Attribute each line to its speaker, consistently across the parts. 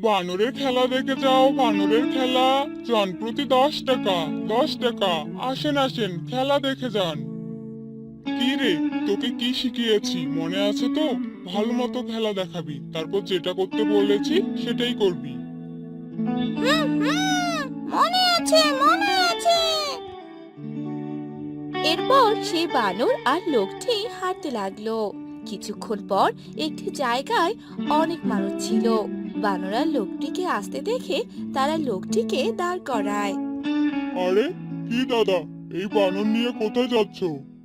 Speaker 1: বানরের খেলা দেখে যাও, বানরের খেলা। জন প্রতি 10 টাকা, 10 টাকা। আসেন আসেন, খেলা দেখে যান। কি রে, তোকে কি শিখিয়েছি মনে আছে তো? ভালো মতো খেলা দেখাবি, তারপর যেটা করতে বলেছি সেটাই করবি।
Speaker 2: হুম হুম, মনে আছে মনে আছে। এরপর সেই বানর আর লোকটি হাঁটতে লাগলো। কিছুক্ষণ পর একটি জায়গায় অনেক মানুষ ছিল। বানর আর লোকটিকে আসতে দেখে তারা লোকটিকে দাঁড় করায়।
Speaker 1: আরে, কি দাদা, এই বানর নিয়ে কোথায় যাচ্ছ?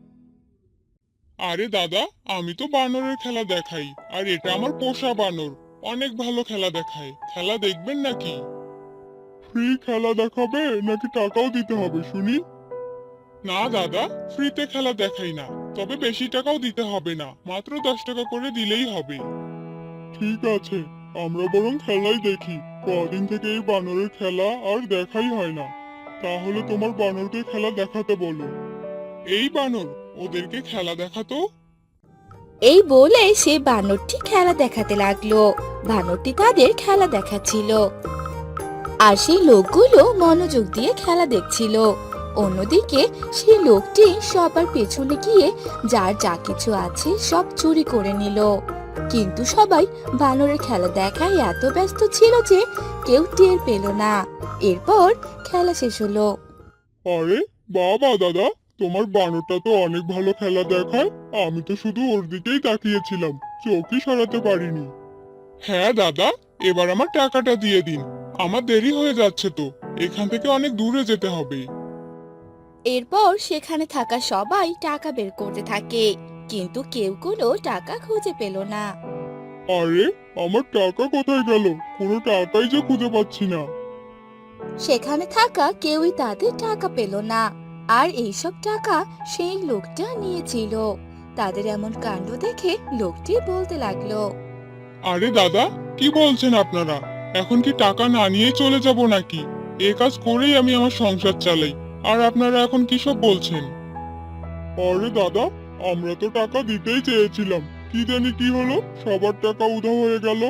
Speaker 1: আরে দাদা, আমি তো বানরের খেলা দেখাই, আর এটা আমার পোষা বানর। অনেক ভালো খেলা দেখায়, খেলা দেখবেন নাকি? ফ্রি খেলা দেখাবে নাকি টাকাও দিতে হবে শুনি? না দাদা, ফ্রিতে খেলা দেখাই না। তবে বেশি টাকাও দিতে হবে না, মাত্র 10 টাকা করে দিলেই হবে। ঠিক আছে, আমরা বরং খেলাই দেখি। কদিন থেকে এই বানরের খেলা আর দেখাই হয় না। তাহলে তোমার বানরকে খেলা দেখাতে বলো। এই বানর, ওদেরকে খেলা দেখাতো।
Speaker 2: এই বলে সে বানরটি খেলা দেখাতে লাগলো। বানরটি তাদের খেলা দেখাচ্ছিল আর সেই লোকগুলো মনোযোগ দিয়ে খেলা দেখছিল। অন্যদিকে সেই লোকটি সবার পেছনে গিয়ে যার যা কিছু আছে সব চুরি করে নিল। কিন্তু সবাই বানরের খেলা দেখায় এত ব্যস্ত ছিল যে কেউ টের পেল না। এরপর খেলা শেষ হলো।
Speaker 1: আরে বাবা দাদা, তোমার বানরটা তো অনেক ভালো খেলা দেখায়। আমি তো শুধু ওর দিকেই তাকিয়েছিলাম, চোখই সরাতে পারিনি। হ্যাঁ দাদা, এবার আমার টাকাটা দিয়ে দিন। আমার দেরি হয়ে যাচ্ছে তো, এখান থেকে অনেক দূরে যেতে হবে।
Speaker 2: এরপর সেখানে থাকা সবাই টাকা বের করতে থাকে, কিন্তু কেউ কোনো টাকা খুঁজে পেল না।
Speaker 1: আরে, আমার টাকা কোথায় গেল? কোনো টাকাই যে খুঁজে পাচ্ছি না।
Speaker 2: সেখানে থাকা কেউই তাদের টাকা পেল না। আর এইসব টাকা সেই লোকটা নিয়েছিল। তাদের এমন কাণ্ড দেখে লোকটি বলতে লাগলো।
Speaker 1: আরে দাদা, কি বলছেন আপনারা? এখন কি টাকা না নিয়ে চলে যাব নাকি? এ কাজ করেই আমি আমার সংসার চালাই, আর আপনারা এখন কি সব বলছেন? আরে দাদা, আমরা তো টাকা দিতেই চেয়েছিলাম, কি জানি কি হলো, সবার টাকা উধাও হয়ে গেল।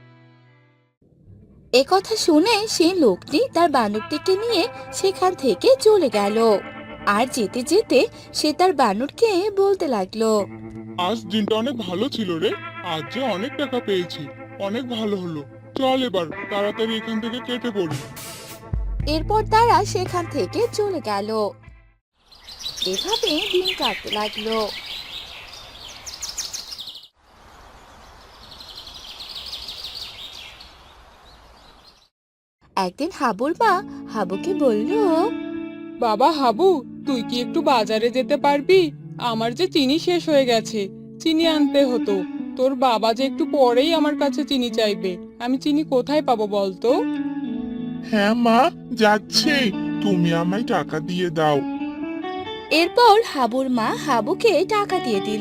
Speaker 2: এ কথা শুনে সেই লোকটি তার বানরটিকে নিয়ে সেখান থেকে চলে গেল। আর যেতে যেতে সে তার বানরকে বলতে লাগলো।
Speaker 1: আজ দিনটা অনেক ভালো ছিল রে। আজ যে অনেক টাকা পেয়েছি, অনেক ভালো হলো। চল এবার তাড়াতাড়ি এখান থেকে কেটে পড়ি।
Speaker 2: এরপর তারা সেখান থেকে চলে গেল। এভাবে দিন কাটতে লাগলো। একদিন হাবুর মা হাবুকে বলল।
Speaker 3: বাবা হাবু, তুই কি একটু বাজারে যেতে পারবি? আমার যে চিনি শেষ হয়ে গেছে, চিনি আনতে হতো। তোর বাবা যে একটু পরেই আমার কাছে চিনি চাইবে, আমি চিনি কোথায় পাবো বলতো?
Speaker 1: হ্যাঁ মা, যাচ্ছে। তুমি আমায় টাকা দিয়ে দাও।
Speaker 2: এরপর হাবুর মা হাবুকে টাকা দিয়ে দিল।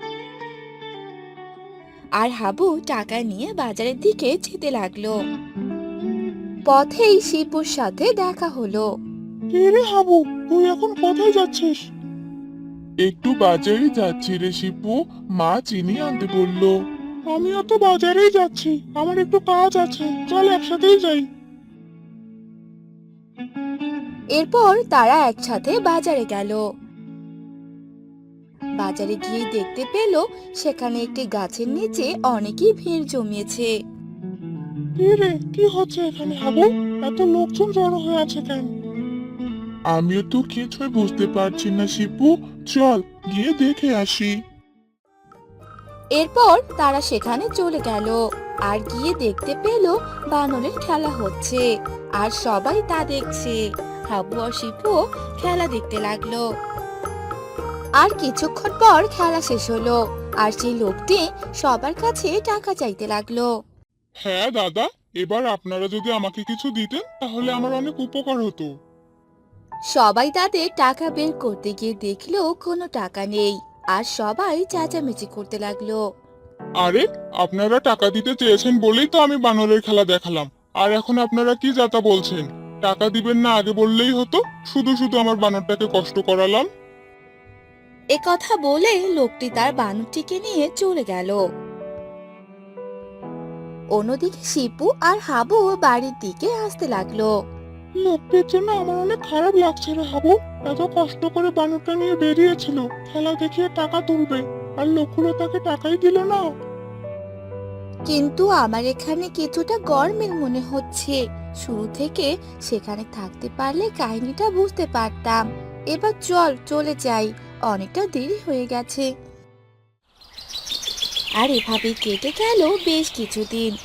Speaker 2: আর হাবু টাকা নিয়ে বাজারের দিকে যেতে লাগলো। পথেই শিপুর সাথে দেখা হলো।
Speaker 1: কে রে হাবু, তুই এখন কোথায় যাচ্ছিস? একটু বাজারে যাচ্ছি রে শিপু, মা চিনি আনতে বললো। আমিও তো বাজারেই যাচ্ছি, আমার একটু কাজ আছে, চল একসাথেই যাই।
Speaker 2: এরপর তারা একসাথে বাজারে গেল। বাজারে গিয়ে দেখতে পেল সেখানে একটি গাছের নিচে অনেকই ভিড় জমিয়েছে।
Speaker 1: কি রে, কি হচ্ছে এখানে হাবু? এত লোকজন জড়ো হয়ে আছে কেন? আমিও তো কিছুই বুঝতে পারছি না শিপু, চল গিয়ে দেখে আসি।
Speaker 2: এরপর তারা সেখানে চলে গেল আর গিয়ে দেখতে পেল বানরের খেলা হচ্ছে। আর সবাই তা দেখছে। হাবু আর শিপু খেলা দেখতে লাগলো। আর কিছুক্ষণ পর খেলা শেষ হলো। আর সেই লোকটি সবার কাছে টাকা চাইতে লাগলো।
Speaker 1: হ্যাঁ দাদা, এবার আপনারা যদি আমাকে কিছু দিতেন তাহলে আমার অনেক উপকার হতো।
Speaker 2: সবাই তাদের টাকা বের করতে গিয়ে দেখলো কোনো টাকা নেই। আর সবাই চেঁচামেচি করতে লাগলো।
Speaker 1: আরে, আপনারা টাকা দিতে চেয়েছেন বলেই তো আমি বানরের খেলা দেখালাম, আর এখন আপনারা কি যাতা বলছেন? টাকা দিবেন না আগে বললেই হতো, শুধু শুধু আমার বানরটাকে কষ্ট করালাম।
Speaker 2: এ কথা বলে লোকটি তার বানরটিকে নিয়ে চলে গেল। অন্যদিকে শিপু আর হাবু বাড়ির দিকে আসতে লাগলো।
Speaker 1: লোকটির জন্য আমার অনেক খারাপ লাগছে রে হাবু। এত কষ্ট করে বানরটা নিয়ে বেরিয়েছিল খেলা দেখিয়ে টাকা তুলবে, আর লোকগুলো তাকে টাকাই দিল না।
Speaker 2: কিন্তু আমার এখানে কিছুটা গরমিল মনে হচ্ছে। শুরু থেকে সেখানে থাকতে পারলে কাহিনীটা বুঝতে পারতাম। এবার চল চলে যাই, অনেকটা দেরি হয়ে গেছে। আর এভাবে কেটে গেল বেশ কিছুদিন।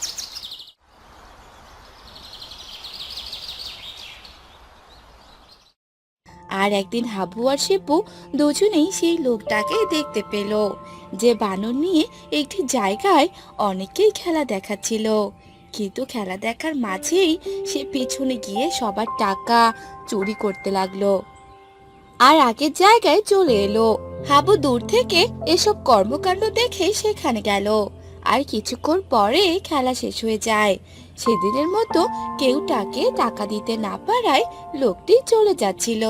Speaker 2: আর একদিন হাবু আর শিপু দুজনেই সেই লোকটাকে দেখতে পেল, যে বানর নিয়ে একটি জায়গায় অনেকেই খেলা দেখাচ্ছিল। কিন্তু খেলা দেখার মাঝেই সে পেছনে গিয়ে সবার টাকা চুরি করতে লাগলো আর আগের জায়গায় চলে এলো। হাবু দূর থেকে এসব কর্মকাণ্ড দেখে সেখানে গেল। আর কিছুক্ষণ পরে খেলা শেষ হয়ে যায়। সেদিনের মতো কেউ তাকে টাকা দিতে না পারায় লোকটি চলে যাচ্ছিল।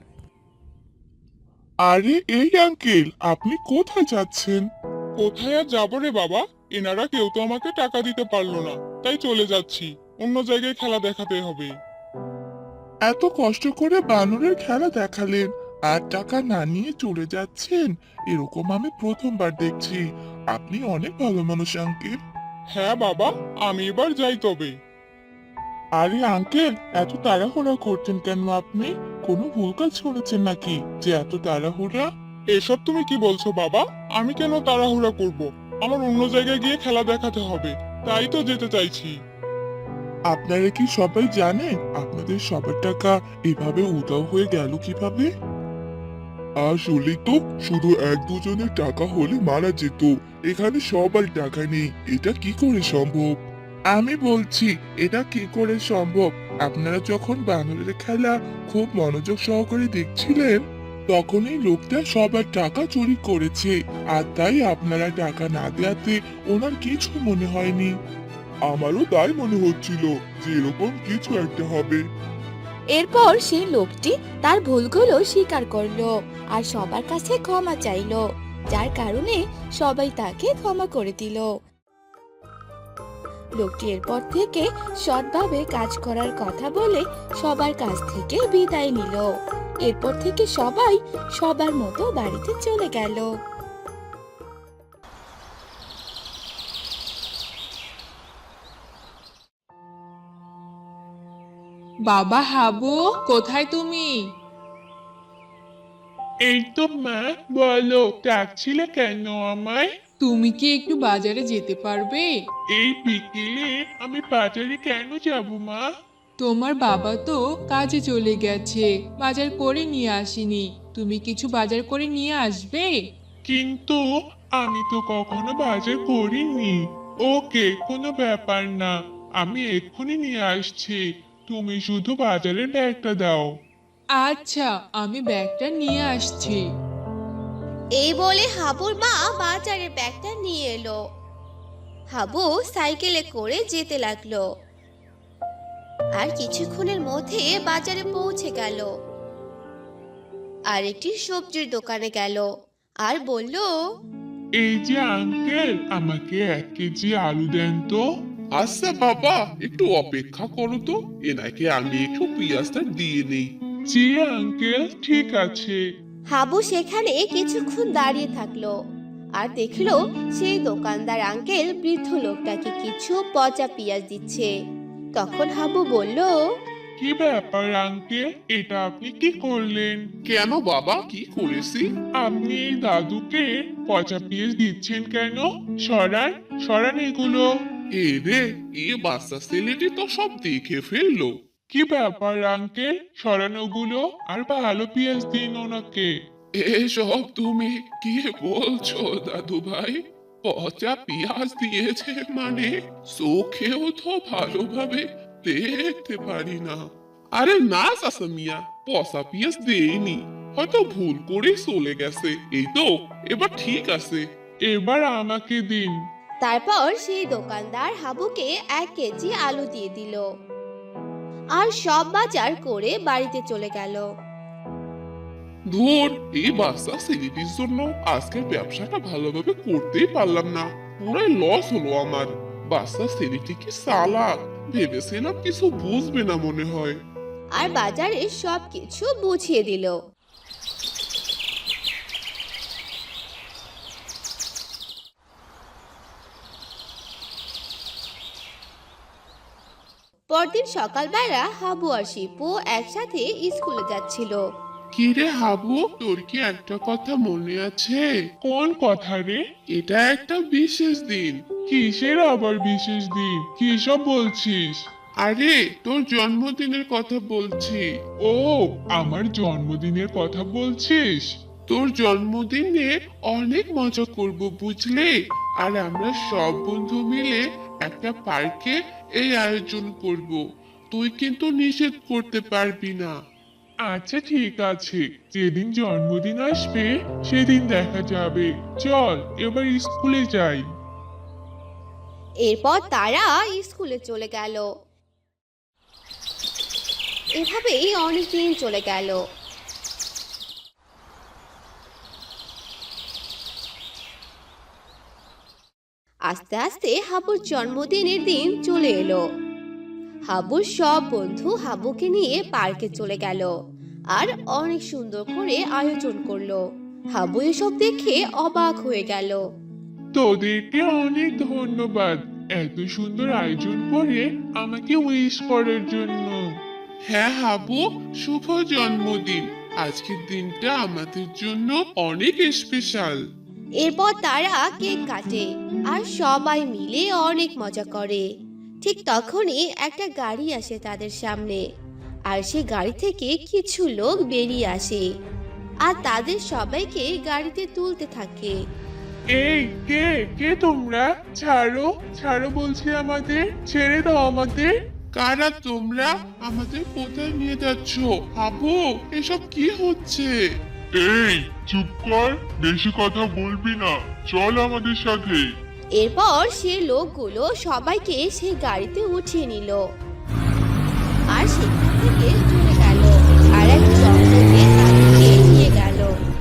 Speaker 1: আরে এই আঙ্কেল, আপনি কোথায় যাচ্ছেন? কোথায় আর যাবো রে বাবা, এনারা কেউ তো আমাকে টাকা দিতে পারলো না, তাই চলে যাচ্ছি। অন্য জায়গায় খেলা দেখাতে হবে। এত কষ্ট করে বানরের খেলা দেখালেন আর টাকা না নিয়ে চলে যাচ্ছেন, এরকম আমি প্রথমবার দেখছি। আপনি অনেক ভালো মানুষ আঙ্কেল। হ্যাঁ বাবা, আমি এবার যাই তবে। আরে আঙ্কেল, এত তাড়াহুড়া করছেন কেন আপনি? কোনো ভুল কাজ করেছেন নাকি যে এত তাড়াহুড়া? এসব তুমি কি বলছো বাবা? আমি কেন তাড়াহুড়া করব? আমার অন্য জায়গায় গিয়ে খেলা দেখাতে হবে, তাই তো যেতে চাইছি। আপনারা কি সবাই জানেন আপনাদের সবার টাকা এভাবে উধাও হয়ে গেল কিভাবে? আসলে তো শুধু এক দুজনের টাকা হলে মারা যেত, এখানে সবার টাকা নেই, এটা কি করে সম্ভব? আমি বলছি এটা কি করে সম্ভব? আপনারা যখন বানরের খেলা খুব মনোযোগ সহকারে দেখছিলেন, তখনই লোকটা সবার টাকা চুরি করেছে, আর তাই আপনারা টাকা না দেওয়াতে ওনার কিছু মনে হয়নি। আমারও তাই মনে হচ্ছিল যে এরকম কিছু একটা হবে।
Speaker 2: এরপর সেই লোকটি তার ভুলগুলো স্বীকার করলো আর সবার কাছে ক্ষমা চাইলো, যার কারণে সবাই তাকে ক্ষমা করে দিল। লোকটি এরপর থেকে সৎভাবে কাজ করার কথা বলে সবার কাছ থেকে বিদায় নিল। এরপর থেকে সবাই সবার মতো বাড়িতে চলে গেল।
Speaker 3: বাবা হাবু, কোথায় তুমি?
Speaker 1: এই তো মা, বলো ডাকছিলে কেন আমায়?
Speaker 3: তুমি কি একটু বাজারে যেতে পারবে?
Speaker 1: এই বিকেলে আমি বাজারে কেন যাব মা?
Speaker 3: তোমার বাবা তো কাজে চলে গেছে, বাজার করে নিয়ে আসেনি। তুমি কিছু বাজার করে নিয়ে আসবে?
Speaker 1: কিন্তু আমি তো কখনো বাজার করিনি। ওকে, কোনো ব্যাপার না, আমি এক্ষুনি নিয়ে আসছি। তুমি শুধু বাজারের ব্যাগটা দাও।
Speaker 3: আচ্ছা, আমি ব্যাগটা নিয়ে আসছি।
Speaker 2: এই বলে হাবুর মা বাজারের ব্যাগটা নিয়ে এলো। হাবু সাইকেলে করে যেতে লাগলো আর কিছুক্ষণের মধ্যে বাজারে পৌঁছে গেল। আর একটি সবজির দোকানে গেল আর বলল,
Speaker 1: এই যে আঙ্কেল, আমাকে 1 কেজি আলু দেন তো। আচ্ছা বাবা, একটু অপেক্ষা করো তো, এনাকে আমি একটু পেঁয়াজটা দিয়ে নেই। জি আঙ্কেল, ঠিক আছে।
Speaker 2: হাবু সেখানে কিছুক্ষণ দাঁড়িয়ে থাকলো আর দেখলো সেই দোকানদার আঙ্কেল বৃদ্ধ লোকটাকে কিছু পচা পেঁয়াজ দিচ্ছে। তখন হাবু বলল,
Speaker 1: কি ব্যাপার আঙ্কেল, এটা আপনি কি করলেন? কেন বাবা, কি করেছি? আপনি এই দাদুকে পচা পেঁয়াজ দিচ্ছেন কেন? সরান, সরান এগুলো। এ রে, এ বাচ্চা ছেলেটি তো সব দেখে ফেললো। কি ব্যাপার আঙ্কেল, সরানোগুলো আর ভালো পেঁয়াজ দিন ওনাকে। এসব তুমি কি বলছো দাদু ভাই? পচা পেঁয়াজ দিয়েছে মানে? চোখেও তো ভালোভাবে দেখতে পারি না। আরে না চাচা মিয়া, পচা পেঁয়াজ দেইনি, হয়তো ভুল করে চলে গেছে। এই তো, এবার ঠিক আছে। এবার আমাকে দিন।
Speaker 2: তারপর সেই দোকানদার হাবুকে 1 কেজি আলু দিয়ে দিল আর সব বাজার করে বাড়িতে চলে গেল।
Speaker 1: ধুর, এই বাচ্চা ছেলেটির জন্য আজকের ব্যবসাটা ভালোভাবে করতেই পারলাম না, পুরাই লস হলো আমার।
Speaker 4: বাচ্চা ছেলেটি কি চালাক, ভেবেছিলাম কিছু বুঝবে না মনে হয়।
Speaker 5: আর বাজারে সবকিছু বুঝিয়ে দিল। পরদিন সকালবেলা হাবু আর শিপু একসাথে স্কুলে যাচ্ছিল।
Speaker 4: কি রে হাবু, তোর কি একটা কথা মনে আছে?
Speaker 1: কোন কথা রে?
Speaker 4: এটা একটা বিশেষ দিন।
Speaker 1: কিসের আবার বিশেষ দিন? কি সব বলছিস?
Speaker 4: আরে তোর জন্মদিনের কথা বলছি।
Speaker 1: ও, আমার জন্মদিনের কথা বলছিস?
Speaker 4: তোর জন্মদিনে অনেক মজা করব বুঝলে। আর আমরা সব বন্ধু মিলে একটা পার্কে এই আয়োজন করব। তুই কিন্তু নিষেধ করতে পারবি না।
Speaker 1: আচ্ছা ঠিক আছে, যেদিন জন্মদিন আসবে সেদিন দেখা যাবে। চল এবার স্কুলে যাই।
Speaker 5: এরপর তারা স্কুলে চলে গেল। এভাবেই অনেক দিন চলে গেল। আস্তে আস্তে হাবুর জন্মদিনের দিন চলে এলো। হাবুর সব বন্ধু হাবুকে নিয়ে পার্কে চলে গেল আর অনেক সুন্দর করে আয়োজন করলো। হাবু এসব দেখে অবাক হয়ে গেল।
Speaker 1: তোদেরকে অনেক ধন্যবাদ এত সুন্দর আয়োজন করে আমাকে উইশ করার জন্য।
Speaker 4: হ্যাঁ হাবু, শুভ জন্মদিন। আজকের দিনটা আমাদের জন্য অনেক স্পেশাল।
Speaker 5: এরপর তারা কেক কাটে আর সবাই মিলে অনেক মজা করে। ঠিক তখনই একটা গাড়ি আসে তাদের সামনে, আর সে গাড়ি থেকে কিছু লোক বেরিয়ে আসে আর তাদের সবাইকে গাড়িতে তুলতে থাকে।
Speaker 1: এই কে কে তোমরা? ছাড়ো ছাড়ো বলছি, আমাদের ছেড়ে দাও আমাদের।
Speaker 4: কারা তোমরা? আমাদের কোথায় নিয়ে যাচ্ছ? হাবু, এসব কি হচ্ছে?
Speaker 1: এই চুপ কর, বেশি কথা বলবি না, চল আমাদের সাথে।
Speaker 5: এরপর সে লোকগুলো সবাইকে সেই গাড়িতে উঠিয়ে নিল আর সেখান থেকে চলে গেল আর এক জঙ্গলে তাদেরকে নিয়ে গেল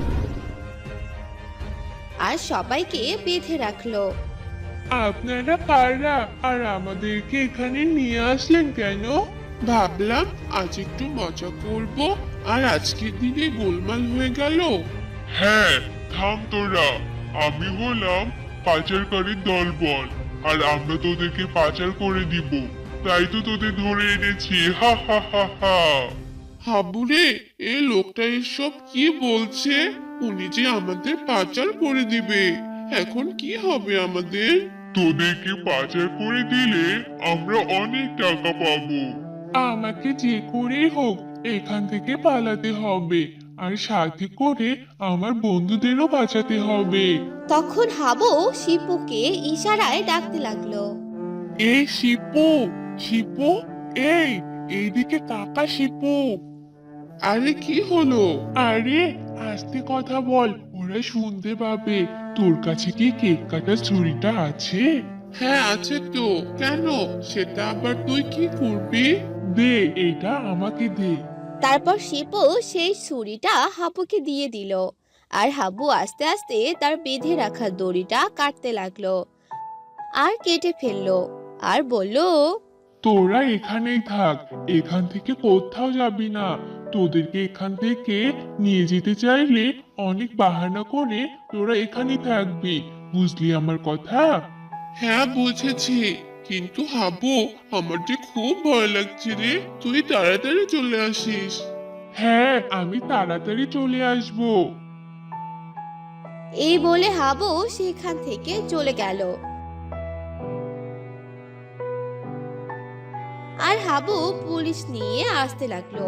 Speaker 5: আর সবাইকে বেঁধে রাখলো।
Speaker 1: আপনারা কারা আর আমাদেরকে এখানে নিয়ে আসলেন কেন?
Speaker 4: ভাবলাম আজ একটু মজা করব, আর আজকের দিনে গোলমাল হয়ে গেল।
Speaker 1: হ্যাঁ, থাম তোরা। আমি হলাম পাচারকারীর দলবল, আর আমরা তোদেরকে পাচার করে দিব, তাই তো তোদের ধরে এনেছি। হা হা হা হা।
Speaker 4: হাবুরে, এই লোকটা এসব কি বলছে? উনি যে আমাদের পাচার করে দিবে। এখন কি হবে আমাদের?
Speaker 1: তোদেরকে পাচার করে দিলে আমরা অনেক টাকা পাবো। আমাকে যে করেই হোক এখান থেকে পালাতে হবে, আর সাথে করে আমার বন্ধুদেরও বাঁচাতে হবে।
Speaker 5: তখন হাবু শিপুকে ইশারায় ডাকতে লাগলো।
Speaker 1: এই শিপু, শিপু, এইদিকে তাকা শিপু।
Speaker 4: আরে কি হলো?
Speaker 1: আরে আস্তে কথা বল, ওরা শুনতে পাবে। তোর কাছে কি কেক কাটার ছুরিটা আছে?
Speaker 4: হ্যাঁ আছে তো, কেন? সেটা আবার তুই কি করবি?
Speaker 1: দে, এটা আমাকে দে।
Speaker 5: তারপর শিপু সেই ছুরিটা হাবুকে দিয়ে দিল আর হাবু আস্তে আস্তে তার বেঁধে রাখা দড়িটা কাটতে লাগলো আর কেটে ফেললো আর বলল,
Speaker 1: তোরা এখানেই থাক, এখান থেকে কোথাও যাবি না। তোদেরকে এখান থেকে নিয়ে যেতে চাইলে অনেক বাহানা করে তোরা এখানেই থাকবি, বুঝলি আমার কথা?
Speaker 4: হ্যাঁ বুঝেছি, কিন্তু হাবু, আমার যে খুব ভয় লাগছে রে। তুই তাড়াতাড়ি চলে আসিস।
Speaker 1: হ্যাঁ, আমি তাড়াতাড়ি চলে আসবো।
Speaker 5: এই বলে হাবু সেখান থেকে চলে গেল। আর হাবু পুলিশ নিয়ে আসতে লাগলো।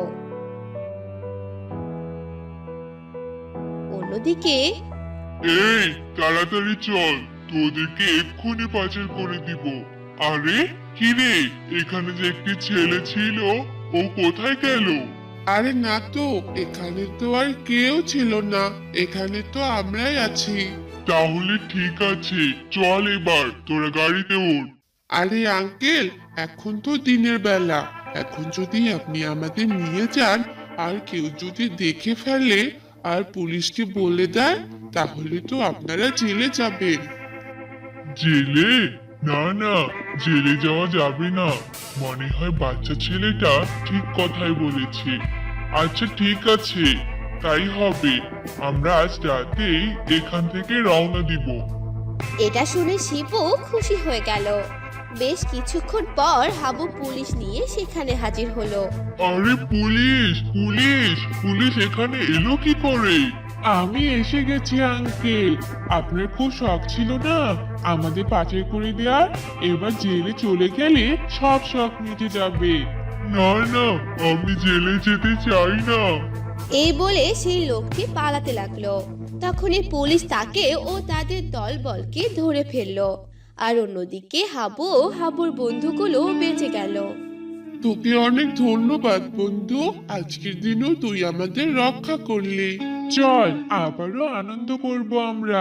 Speaker 5: অন্যদিকে
Speaker 1: এই তাড়াতাড়ি চল, তোদেরকে এক্ষুনি পাচার করে দিব। আরে কি রে, এখানে যে একটি ছেলে ছিল, ও কোথায় গেল?
Speaker 4: আরে না তো, এখানে তো আর কেউ ছিল না, এখানে তো আমরাই আছি।
Speaker 1: তাহলে ঠিক আছে, চল এবার তোরা গাড়িতে ওঠ।
Speaker 4: আরে আঙ্কেল, এখন তো দিনের বেলা। এখন যদি আপনি আমাদের নিয়ে যান আর কেউ যদি দেখে ফেলে আর পুলিশকে বলে দেয়, তাহলে তো আপনারা জেলে যাবেন।
Speaker 1: জেলে? না না, জেলে যাওয়া যাবে না। মনে হয় বাচ্চা ছেলেটা ঠিক কথাই বলেছে। আচ্ছা ঠিক আছে, তাই হবে। আমরা আজ রাতেই এখান থেকে রওনা দিব।
Speaker 5: এটা শুনে শিবু খুশি হয়ে গেল। বেশ কিছুক্ষণ পর হাবু পুলিশ নিয়ে সেখানে হাজির হলো।
Speaker 1: আরে পুলিশ পুলিশ পুলিশ এখানে এলো কি করে?
Speaker 4: আমি এসে গেছি আঙ্কেল। আপনার খুব শখ ছিল না আমাদের পাচার করে দেওয়ার? এবার জেলে চলে গেলে সব শখ মিটে যাবে।
Speaker 1: না না, আমি জেলে যেতে চাই না।
Speaker 5: এই বলে সেই লোকটি পালাতে লাগলো। তখনই পুলিশ তাকে ও তাদের দলবলকে ধরে ফেললো। আর অন্যদিকে হাবু ও হাবুর বন্ধুগুলো বেঁচে গেল।
Speaker 4: তোকে অনেক ধন্যবাদ বন্ধু, আজকের দিনও তুই আমাদের রক্ষা করলি। চল আবারও আনন্দ করব আমরা।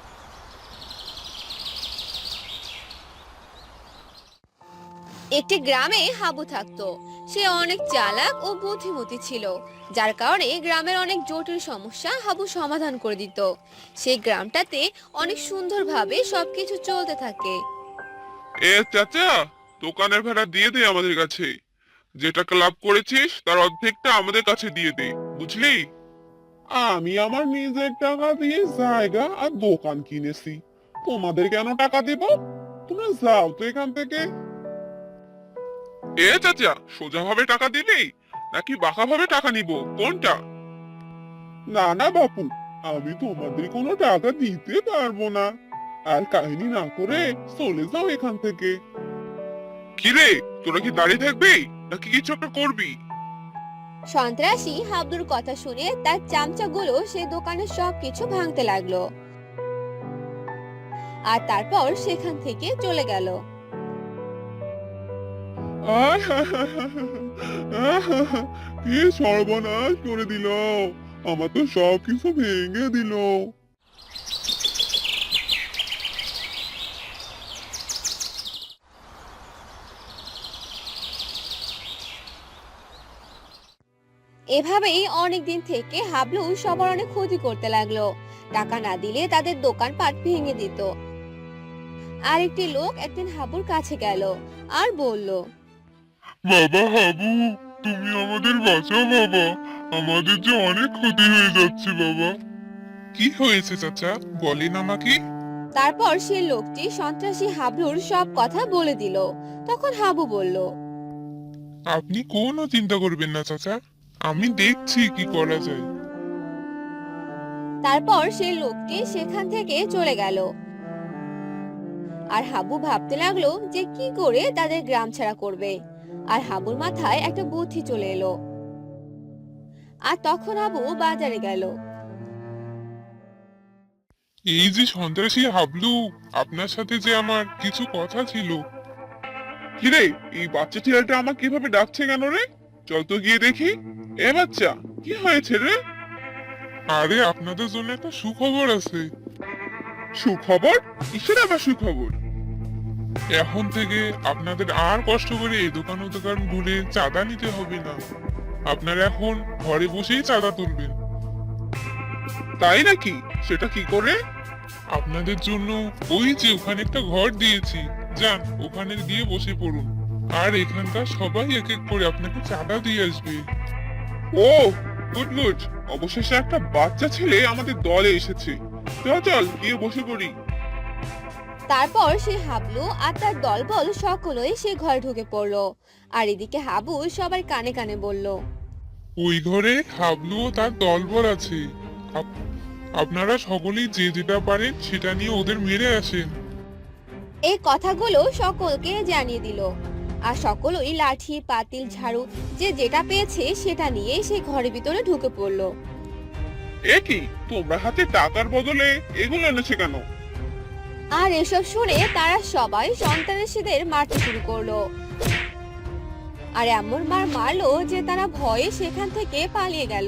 Speaker 5: একটি গ্রামে হাবু থাকতো। সে অনেক চালাক ও বুদ্ধিমতী ছিল, যার কারণে গ্রামের অনেক জটিল সমস্যা হাবু সমাধান করে দিত। সেই গ্রামটাতে অনেক সুন্দরভাবে সবকিছু চলতে থাকে।
Speaker 1: এ চাচা, দোকানের ভাড়া দিয়ে দে আমাদের কাছে। যে টাকা লাভ করেছিস তার অর্ধেকটা আমাদের কাছে দিয়ে দে, বুঝলি?
Speaker 4: আমি আমার নিজের টাকা দিয়ে জায়গা আর দোকান কিনেছি, তোমাদের কেন টাকা দিব? তোমরা যাও তো এখান থেকে।
Speaker 1: এ চাচা, সোজাভাবে টাকা দিবি নাকি বাঁকাভাবে টাকা নিব, কোনটা?
Speaker 4: না না বাপু, আমি তোমাদের কোনো টাকা দিতে পারবো না। আর কাহিনী না করে চলে যাও এখান থেকে।
Speaker 1: কিরে, তোরা কি দাঁড়িয়ে থাকবি নাকি কিছু একটা করবি?
Speaker 5: সন্ত্রাসী হাবলুর কথা শুনে তার চামচাগুলো সেই দোকানের সবকিছু ভাঙতে লাগলো। আর তারপর সেখান থেকে চলে গেল।
Speaker 4: কি সর্বনাশ করে দিল, আমার তো সব কিছু ভেঙে দিল।
Speaker 5: এভাবেই অনেক দিন থেকে হাবলু সবার অনেক ক্ষতি করতে লাগলো। টাকা না দিলে তাদের দোকানপাট ভেঙে দিত। আর একটি লোক একদিন হাবুর কাছে গেল আর বলল,
Speaker 1: বাবা হাবু, তুমি আমাদের বাঁচাও বাবা, আমাদের যে অনেক ক্ষতি হয়ে যাচ্ছে বাবা। কি হয়েছে চাচা, বলেন আমাকে।
Speaker 5: তারপর সে লোকটি সন্ত্রাসী হাবলুর সব কথা বলে দিল। তখন হাবু বলল,
Speaker 1: আপনি কোনো চিন্তা করবেন না চাচা, আমি দেখছি কি করা যায়।
Speaker 5: তারপর সেই লোকটি সেখান থেকে চলে গেল। আর হাবু ভাবতে লাগলো যে কি করে তাদের গ্রাম ছাড়া করবে। আর হাবুর মাথায় একটা বুদ্ধি চলে এলো। আর তখন হাবু বাজারে গেল।
Speaker 1: এই যে সন্ত্রাসী হাবলু, আপনার সাথে যে আমার কিছু কথা ছিল।
Speaker 4: কিরে, এই বাচ্চা ছেলেটা আমাকে কিভাবে ডাকছে কেন রে? চল তো গিয়ে দেখি। এ বাচ্চা, কি হয়েছে রে?
Speaker 1: আরে আপনাদের জন্য একটা সুখবর আছে।
Speaker 4: সুখবর? কিসের আবার সুখবর?
Speaker 1: এখন থেকে আপনাদের আর কষ্ট করে এই দোকান ও দোকান ঘুরে চাঁদা নিতে হবে না। আপনারা এখন ঘরে বসেই চাঁদা তুলবেন।
Speaker 4: তাই নাকি? সেটা কি করে?
Speaker 1: আপনাদের জন্য ওই যে ওখানে একটা ঘর দিয়েছি, যান ওখানে গিয়ে বসে পড়ুন। আর এখানকার সবাই এক এক করে আপনাকে চাঁদা দিয়ে আসবে।
Speaker 4: ও গুড গুড, অবশেষে একটা বাচ্চা ছেলে আমাদের দলে এসেছে। চল চল গিয়ে বসে পড়ি।
Speaker 5: তারপর সে হাবলু আর তার দলবল সকলেই সে ঘরে ঢুকে পড়লো। আর এদিকে হাবু সবার কানে কানে বলল,
Speaker 1: ওই ঘরে হাবলু ও তার দলবল আছে। আপনারা সকলেই যে যেটা পারেন সেটা নিয়ে ওদের মেরে আসেন।
Speaker 5: এই কথাগুলো সকলকে জানিয়ে দিল। আর সকলেই লাঠি পাতিল ঝাড়ু যে যেটা পেয়েছে সেটা নিয়ে সেই ঘরের ভিতরে ঢুকে পড়লো।
Speaker 4: এ কি, তোমরা হাতে টাকার বদলে এগুলো এনেছে কেন?
Speaker 5: আর এসব শুনে তারা সবাই সন্ত্রাসীদের মারতে শুরু করলো। আর এমন মার মারলো যে তারা ভয়ে সেখান থেকে পালিয়ে গেল।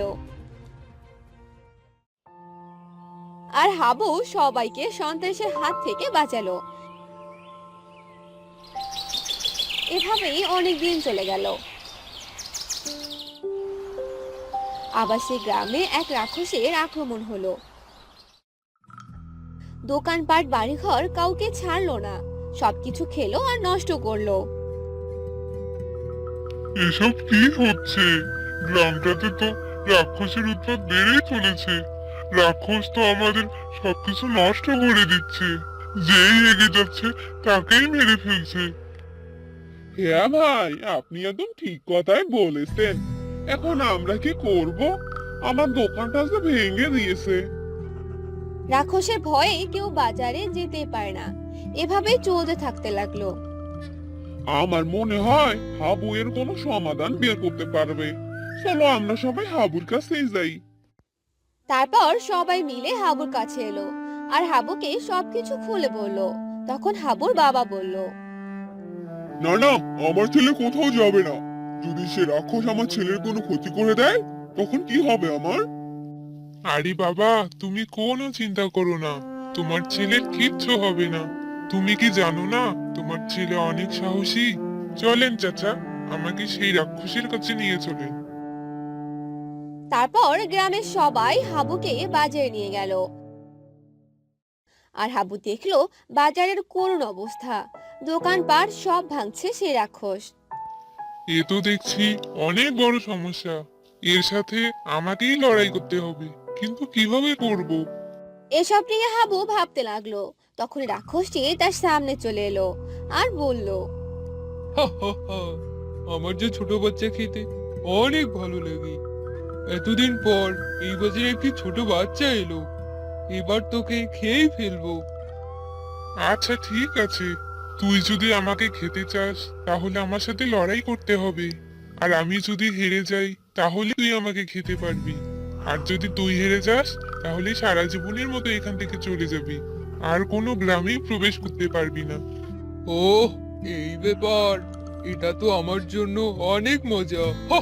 Speaker 5: আর হাবু সবাইকে সন্ত্রাসের হাত থেকে বাঁচালো। এভাবেই অনেক দিন চলে গেল। আবার সে গ্রামে এক রাক্ষসের আক্রমণ হলো। দোকানপাট বাড়িঘর কাউকে ছাড়লো না, সবকিছু খেলো আর নষ্ট করলো।
Speaker 1: এসব কি হচ্ছে? গ্রামটাতে তো রাক্ষসের উৎপাত বেড়েই চলেছে। রাক্ষস তো আমাদের সবকিছু নষ্ট করে দিচ্ছে। যেই এগিয়ে যাচ্ছে তাকেই মেরে ফেলছে।
Speaker 4: হ্যাঁ ভাই, আপনি একদম ঠিক কথাই বলেছেন। এখন আমরা কি করব? আমার দোকানটা যে ভেঙে দিয়েছে।
Speaker 5: রাক্ষসের ভয়ে কেউ বাজারে যেতে পারে না। এভাবেই চলতে থাকতে লাগলো।
Speaker 4: আমার মনে হয় হাবু এর কোনো সমাধান বের করতে পারবে। চলো আমরা সবাই হাবুর কাছে যাই।
Speaker 5: তারপর সবাই মিলে হাবুর কাছে এলো আর হাবুকে সবকিছু খুলে বলল। তখন হাবুর বাবা বলল,
Speaker 4: না না, আমার ছেলে কোথাও যাবে না। যদি সে রাক্ষস আমার ছেলের কোনো ক্ষতি করে দেয়, তখন কি হবে আমার?
Speaker 1: আরে বাবা, তুমি কোনো চিন্তা করো না। তোমার ছেলের কিচ্ছু হবে না। তুমি কি জানো না তোমার ছেলে অনেক সাহসী? চলেন চাচা, আমাকে সেই রাক্ষসীর কাছে নিয়ে চলেন।
Speaker 5: তারপর গ্রামের সবাই হাবুকে বাজারে নিয়ে গেল। আর হাবু দেখলো বাজারের করুণ অবস্থা। দোকানপাট সব ভাঙছে সেই রাক্ষস।
Speaker 1: এ তো দেখছি অনেক বড় সমস্যা। এর সাথে আমাকেই লড়াই করতে হবে, কিন্তু কিভাবে করব?
Speaker 5: এসব নিয়ে হাবু ভাবতে লাগলো। তখন রাক্ষসটি তার সামনে চলে এলো আর বলল,
Speaker 3: আমার যে ছোট বাচ্চা খেতে অনেক ভালো লাগে। এতদিন পর এই বাজারে একটি ছোট বাচ্চা এলো। এবার তোকে খেয়েই ফেলবো।
Speaker 1: আচ্ছা ঠিক আছে, তুই যদি আমাকে খেতে চাস তাহলে আমার সাথে লড়াই করতে হবে। আর আমি যদি হেরে যাই তাহলে তুই আমাকে খেতে পারবি। আর যদি তুই হেরে যাস তাহলে সারা জীবনের মতো এখান থেকে চলে যাবি, আর কোনো গ্রামেই প্রবেশ করতে পারবি না।
Speaker 3: ওহ, এই ব্যাপার। এটা তো আমার জন্য অনেক মজা।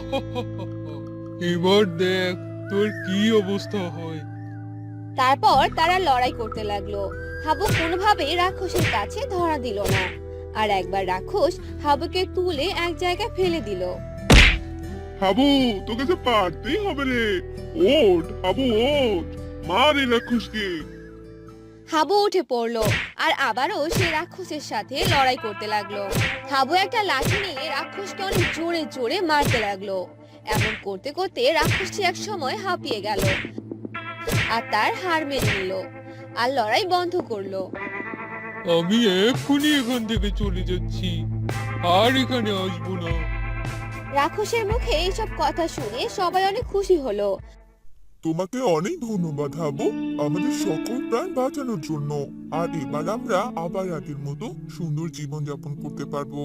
Speaker 3: এবার দেখ তোর কি অবস্থা হয়।
Speaker 5: তারপর তারা লড়াই করতে লাগলো। হাবু কোনোভাবেই রাক্ষসের কাছে ধরা দিল না। আর একবার রাক্ষস হাবুকে তুলে এক জায়গায় ফেলে দিল।
Speaker 4: হাবু, তোকে যে পারতেই হবে রে। ওঠ হাবু, ওঠ, মার এই রাক্ষসকে।
Speaker 5: হাবু উঠে পড়লো আর আবারও সে রাক্ষসের সাথে লড়াই করতে লাগলো। হাবু একটা লাঠি নিয়ে রাক্ষসকে অনেক জোরে জোরে মারতে লাগলো। এমন করতে করতে রাক্ষসটি এক সময় হাঁপিয়ে গেল আর তার হাড় মেনে নিল আর লড়াই বন্ধ করলো।
Speaker 3: আমি এক্ষুনি এখান থেকে চলে যাচ্ছি, আর এখানে আসবো না।
Speaker 5: রাক্ষসের মুখে এইসব কথা শুনে সবাই অনেক খুশি হলো।
Speaker 6: তোমাকে অনেক ধন্যবাদ হাবু, আমাদের সকল প্রাণ বাঁচানোর জন্য। আর এবার আমরা আবার আগের মতো সুন্দর জীবন যাপন করতে পারবো।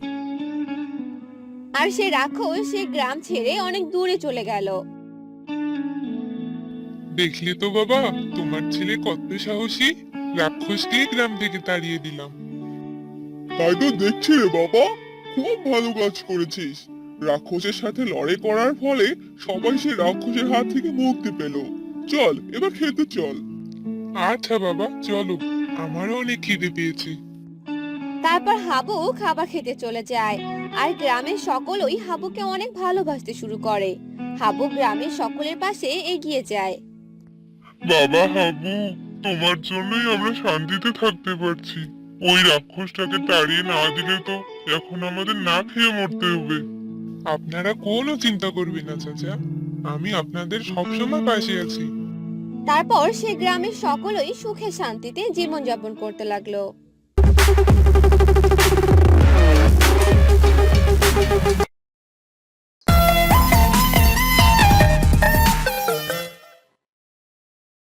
Speaker 5: আর সে রাক্ষস সে গ্রাম ছেড়ে অনেক দূরে চলে গেল।
Speaker 1: দেখলে তো বাবা, তোমার ছেলে কত সাহসী। রাক্ষসকে গ্রাম থেকে তাড়িয়ে দিলাম।
Speaker 4: তাই তো দেখছি রে বাবা, খুব ভালো কাজ করেছিস। রাক্ষসের সাথে লড়াই করার ফলে সবাই সে রাক্ষসের হাত থেকে মুক্তি পেল। চল এবার খেতে চল।
Speaker 1: আচ্ছা বাবা, চলো, আমারও অনেক খিদে পেয়েছে।
Speaker 5: তারপর হাবু খাবার খেতে চলে যায় আর গ্রামের সকলেই হাবুকে অনেক ভালোবাসতে শুরু করে। হাবু গ্রামের সকলের পাশে এগিয়ে যায়।
Speaker 1: বাবা হাবু, তোমার জন্যই আমরা শান্তিতে থাকতে পারছি। ওই রাক্ষসটাকে তাড়িয়ে না দিলে তো এখন আমাদের না খেয়ে মরতে হবে। আপনারা কোনো চিন্তা করবেন না চাচা, আমি আপনাদের সবসময় পাশে আছি।
Speaker 5: তারপর সে গ্রামের সকলেই সুখে শান্তিতে জীবনযাপন করতে লাগলো।